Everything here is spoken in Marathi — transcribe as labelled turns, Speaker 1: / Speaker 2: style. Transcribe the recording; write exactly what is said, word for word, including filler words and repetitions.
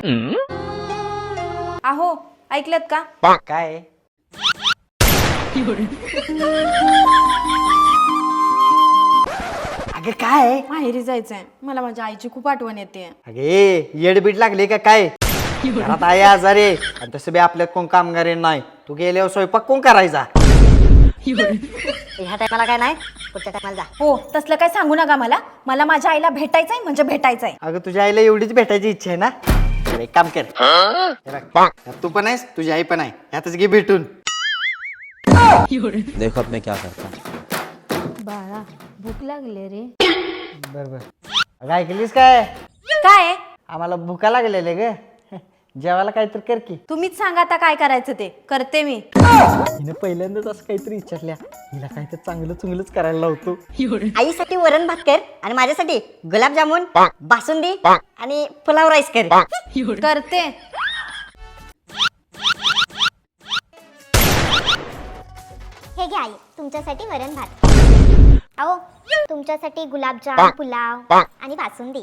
Speaker 1: आहो ऐकलत का?
Speaker 2: काय अगे काय
Speaker 1: माहेरी जायचंय मला, माझ्या आईची खूप आठवण येते.
Speaker 2: अगे येडबीड लागली का काय? घरात आई आजारी आहे आणि तसं बी आपल्यात कोण कामगार नाही. तू गेल्यावर स्वयंपाक कोण करायचा?
Speaker 3: ह्या टायमाला काय नाही, पुढच्या टायमाला जा.
Speaker 1: हो तसलं काय सांगू नका मला. मला माझ्या आईला भेटायचंय म्हणजे भेटायचंय.
Speaker 2: अगं तुझ्या आईला एवढीच भेटायची इच्छा आहे ना? तर एक काम कर, हे बघ, तू पण आहेस तुझी आई पण आहे, यातच घे भेटून.
Speaker 4: देखो अब मैं क्या करता हूँ.
Speaker 1: बाळा भूक लागले रे.
Speaker 2: बर बर अगं ऐकलीस काय?
Speaker 1: काय
Speaker 2: आम्हाला भुका लागलेले ग, जेवायला काहीतरी कर की.
Speaker 1: तुम्हीच सांगा आता काय करायचं ते करते मी.
Speaker 2: हिने पहिल्यांदाच असं काहीतरी विचारल्या, हिला काहीतरी चांगलं चुंगलंच करायला लावतो.
Speaker 3: आईसाठी वरण भात कर आणि माझ्यासाठी गुलाबजामुन, बासुंदी आणि पुलाव राईस कर.
Speaker 1: करते.
Speaker 5: हे घ्या आई, तुमच्यासाठी वरण भात. अहो तुमच्यासाठी गुलाबजाम, पुलाव आणि बासुंदी.